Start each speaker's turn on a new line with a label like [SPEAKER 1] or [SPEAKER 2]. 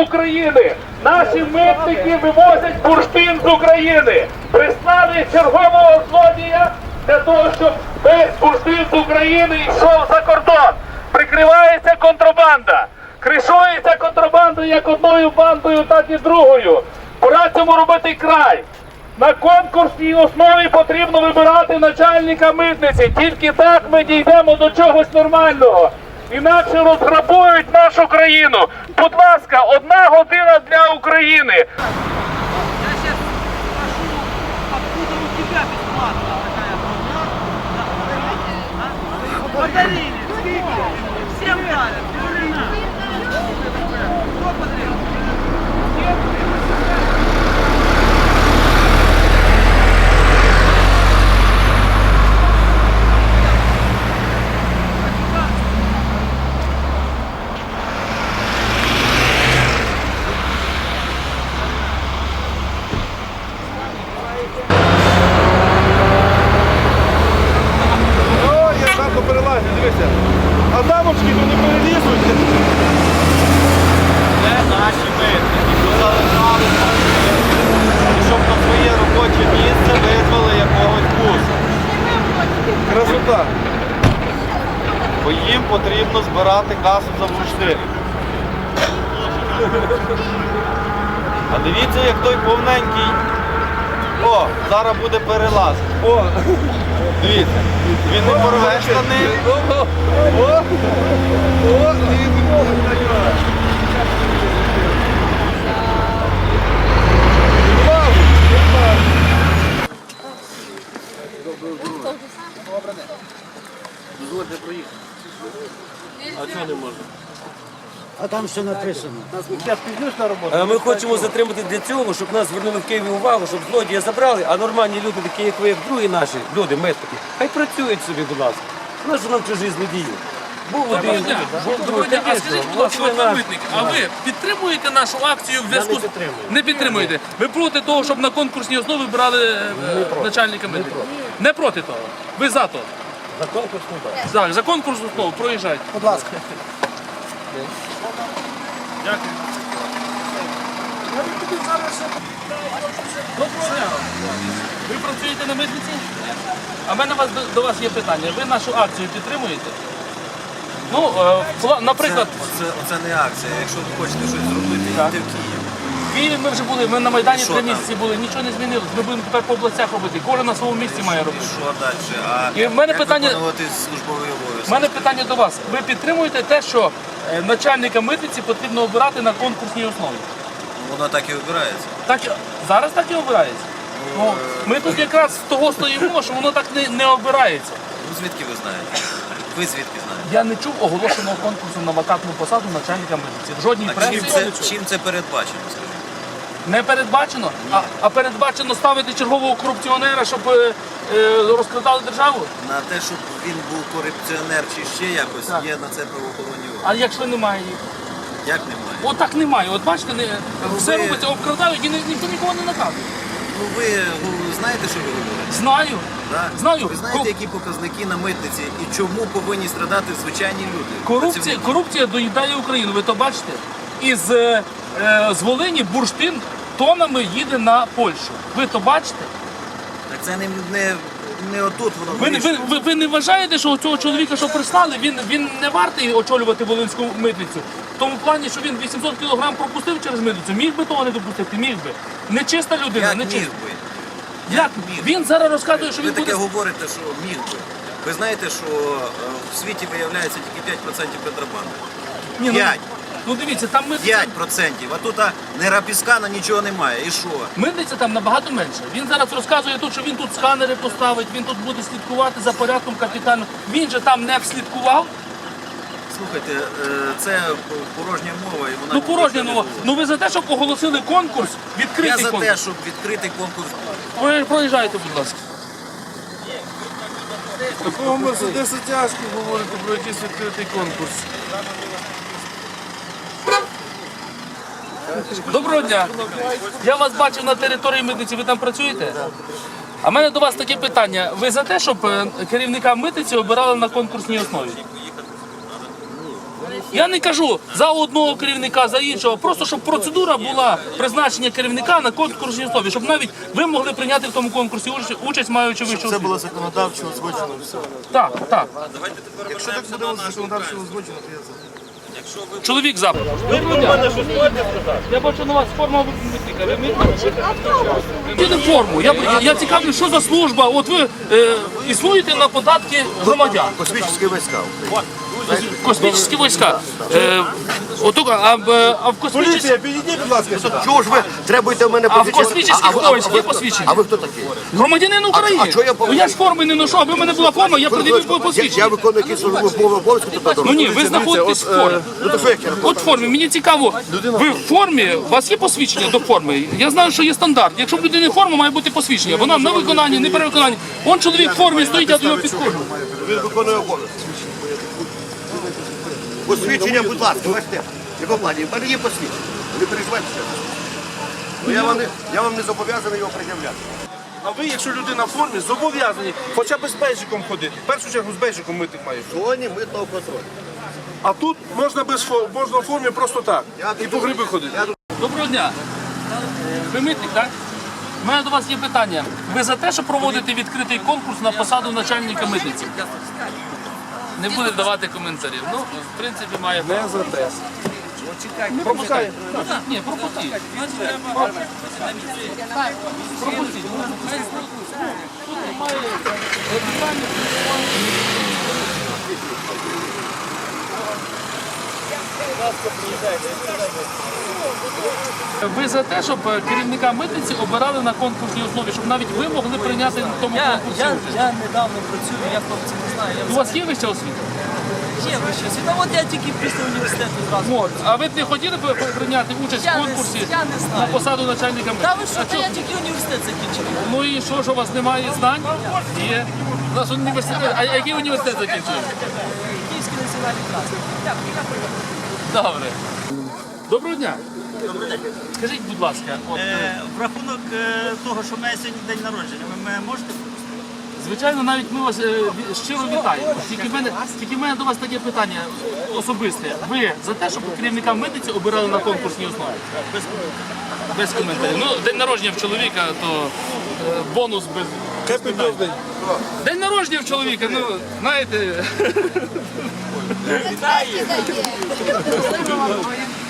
[SPEAKER 1] України. Наші митники вивозять бурштин з України. Прислали чергового злодія для того, щоб весь бурштин з України йшов за кордон. Прикривається контрабанда. Кришується контрабанда як одною бандою, так і другою. Пора цьому робити край. На конкурсній основі потрібно вибирати начальника митниці. Тільки так ми дійдемо до чогось нормального. Інакше розграбують нашу країну. Будь ласка, 1 година для України.
[SPEAKER 2] Я сейчас спрошу, откуда у тебя бесплатно такая броня? Подарили, сколько? Всем дарят. Кто подарил?
[SPEAKER 3] Дивися, а дамочки то не перелізуть.
[SPEAKER 4] Це наші митники, що залишали, щоб на своє робоче місце визвали якогось буса.
[SPEAKER 3] Красота.
[SPEAKER 4] Бо їм потрібно збирати касу за бурштин. А дивіться, як той повненький. О, зараз буде перелаз.
[SPEAKER 3] О,
[SPEAKER 4] Дивіться, він не порве штани. А чого не можна?
[SPEAKER 5] А там що написано?
[SPEAKER 6] Ми хочемо затримати для цього, щоб нас звернули в Києві увагу, щоб злодія забрали, а нормальні люди, такі як ви, як другі наші люди, митники, хай працюють собі, будь ласка. У нас же нам чужі злодії. Був один, був другий.
[SPEAKER 7] А скажіть, будь ласка, от ви митник, а ви підтримуєте нашу акцію в зв'язку з... Не підтримуєте. Ви проти того, щоб на конкурсній основі брали начальника митника? Не проти того. Ви за то.
[SPEAKER 6] За конкурсну базу.
[SPEAKER 7] Так, за конкурсну основу проїжджайте.
[SPEAKER 5] Будь ласка.
[SPEAKER 7] Дякую. Доброго дня. Ви працюєте на митниці? А в мене до вас є питання. Ви нашу акцію підтримуєте? Ну, наприклад,
[SPEAKER 4] Це не акція. Якщо ви хочете щось зробити, йдіть в Київ.
[SPEAKER 7] в Києві ми вже були, ми на Майдані
[SPEAKER 4] Що
[SPEAKER 7] 3
[SPEAKER 4] там?
[SPEAKER 7] місяці були, нічого не змінилось. Ми будемо тепер по областях робити. Кожен на своєму місці має робити.
[SPEAKER 4] Що далі? А
[SPEAKER 7] І в мене
[SPEAKER 4] як
[SPEAKER 7] питання-
[SPEAKER 4] виконувати службовий
[SPEAKER 7] У
[SPEAKER 4] обов'язок?
[SPEAKER 7] мене питання до вас. Ви підтримуєте те, що начальника митниці потрібно обирати на конкурсній основі?
[SPEAKER 4] Воно так і обирається.
[SPEAKER 7] Так, зараз так і обирається. Ну, ми тут якраз з того стоїмо, що воно так не обирається.
[SPEAKER 4] Ну звідки ви знаєте? Ви звідки знаєте?
[SPEAKER 7] Я не чув оголошеного конкурсу на вакантну посаду начальника митниці. В жодній
[SPEAKER 4] А
[SPEAKER 7] пресі
[SPEAKER 4] чим це передбачено, скажіть?
[SPEAKER 7] не передбачено, а передбачено ставити чергового корупціонера, щоб розкрадали державу.
[SPEAKER 4] На те, щоб він був корупціонер чи ще якось,
[SPEAKER 7] Так.
[SPEAKER 4] є на це правоохоронні органи.
[SPEAKER 7] А якщо немає їх?
[SPEAKER 4] Як немає?
[SPEAKER 7] От так немає. От бачите, все
[SPEAKER 4] ви-
[SPEAKER 7] робиться, обкрадають і ніхто нікого не наказує.
[SPEAKER 4] Ну ви знаєте, що ви говорите?
[SPEAKER 7] Знаю.
[SPEAKER 4] Так?
[SPEAKER 7] Знаю.
[SPEAKER 4] Ви знаєте, які показники на митниці і чому повинні страдати звичайні люди? Працівники?
[SPEAKER 7] Корупція доїдає Україну, ви то бачите? Із з Волині бурштин тонами їде на Польщу. Ви то бачите?
[SPEAKER 4] Так це не отут воно
[SPEAKER 7] Ви
[SPEAKER 4] вирішує.
[SPEAKER 7] не вважаєте, що цього чоловіка, що прислали, він не вартий очолювати Волинську митницю? В тому плані, що він 800 кілограм пропустив через митницю, міг би того не допустити? Міг би. Нечиста людина,
[SPEAKER 4] Як
[SPEAKER 7] нечиста.
[SPEAKER 4] міг би?
[SPEAKER 7] Як?
[SPEAKER 4] міг?
[SPEAKER 7] Він зараз розказує, що
[SPEAKER 4] Ви
[SPEAKER 7] він
[SPEAKER 4] таке
[SPEAKER 7] буде...
[SPEAKER 4] говорите, що міг би. Ви знаєте, що в світі виявляється тільки 5% контрабанди.
[SPEAKER 7] Ні,
[SPEAKER 4] 5.
[SPEAKER 7] Ну дивіться, там митниця...
[SPEAKER 4] 5%. А тут ні рапіскана, нічого немає. І що?
[SPEAKER 7] Митниця там набагато менше. Він зараз розказує тут, що він тут сканери поставить, він тут буде слідкувати за порядком капітально. Він же там не вслідкував.
[SPEAKER 4] Слухайте, це порожня мова. І вона
[SPEAKER 7] Ну порожня мова. Ну ви за те, щоб оголосили конкурс,
[SPEAKER 4] Я
[SPEAKER 7] відкритий
[SPEAKER 4] за те,
[SPEAKER 7] конкурс.
[SPEAKER 4] щоб відкрити конкурс.
[SPEAKER 7] Проїжджайте, будь ласка.
[SPEAKER 3] Такого Мерседеса тяжко говорити про якийсь відкритий конкурс.
[SPEAKER 7] Доброго дня. Я вас бачив на території митниці, ви там працюєте? А в мене до вас таке питання. Ви за те, щоб керівника митниці обирали на конкурсній основі? Я не кажу за одного керівника, за іншого, просто щоб процедура була призначення керівника на конкурсній основі, щоб навіть ви могли прийняти в тому конкурсі участь, маючи вищу
[SPEAKER 3] Це
[SPEAKER 7] освіту.
[SPEAKER 3] було законодавчо узгоджено все.
[SPEAKER 7] Так, так.
[SPEAKER 3] Якщо так буде законодавчо узгоджено, то я за.
[SPEAKER 7] Чоловік запит. Я бачу на вас форма випускника. Ви митника? Форму. Я цікавлю, що за служба. От ви існуєте на податки громадян.
[SPEAKER 3] Космічні війська.
[SPEAKER 7] Космічні війська. А в космічних...
[SPEAKER 3] підійдіть, будь ласка, сюди.
[SPEAKER 8] Чого ж ви требуєте в мене
[SPEAKER 7] А в космічних військ є посвідчення?
[SPEAKER 8] А ви хто такий?
[SPEAKER 7] Громадянин України.
[SPEAKER 8] а що я
[SPEAKER 7] Ну я ж форми не ношу, аби в мене була форма, я пред'явив посвідчення.
[SPEAKER 8] Я виконую якісь службові обов'язки, то
[SPEAKER 7] Ну ні, ви знаходитесь в формі.
[SPEAKER 8] Ну то що як я
[SPEAKER 7] От в формі, мені цікаво, ви в формі, у вас є посвідчення до форми? Я знаю, що є стандарт. Якщо в людини форма, має бути посвідчення. Вона на виконанні, не перевиконанні. Он чоловік в формі стоїть, я до нього підходжу.
[SPEAKER 8] Він виконує обов'язки. Посвідчення, будь ласка, бачите, якого плані? В мене є посвідчення. Не переживайте. Ну, я вам не зобов'язаний його пред'являти.
[SPEAKER 3] А ви, якщо людина в формі, зобов'язані хоча б з бейджиком ходити. В першу чергу з бейджиком митник має.
[SPEAKER 8] В зоні митного контролю.
[SPEAKER 3] А тут можна можна в формі просто так. І по гриби ходити.
[SPEAKER 7] Доброго дня. Ви митник, так? У мене до вас є питання. Ви за те, щоб проводити відкритий конкурс на посаду начальника митниці? Не буде давати коментарів. Ну, в принципі, має право.
[SPEAKER 3] Не за те.
[SPEAKER 7] Пропускай. Ні, пропустіть. Пропустіть. Тут немає питання. Ви за те, щоб керівника митниці обирали на конкурсній основі, щоб навіть ви могли прийняти в тому конкурсі?
[SPEAKER 2] Я недавно працюю, я хлопці не знаю.
[SPEAKER 7] У вас є вища освіта?
[SPEAKER 2] Є вища освіта. От я тільки після університету зразу.
[SPEAKER 7] От. А ви б не хотіли б прийняти участь в конкурсі
[SPEAKER 2] я не знаю.
[SPEAKER 7] на посаду начальника
[SPEAKER 2] Та
[SPEAKER 7] митниці?
[SPEAKER 2] ви що, та я тільки університет закінчив.
[SPEAKER 7] Ну і що у вас немає знань? Є. У нас університет. А який університет закінчили?
[SPEAKER 2] Київський національний клас. Дякую.
[SPEAKER 7] Добре. Доброго дня. Скажіть, будь ласка, от,
[SPEAKER 9] В рахунок того, що в мене сьогодні день народження, ви мене можете пропустити?
[SPEAKER 7] звичайно, навіть ми вас щиро вітаємо. Тільки в мене до вас таке питання особисте. Ви за те, щоб керівника митниці обирали на конкурсній основі? Без коментарів. Ну, день народження в чоловіка, то бонус без.
[SPEAKER 3] Happy birthday.
[SPEAKER 7] День народження в чоловіка, ну, знаєте.
[SPEAKER 2] Вітаю!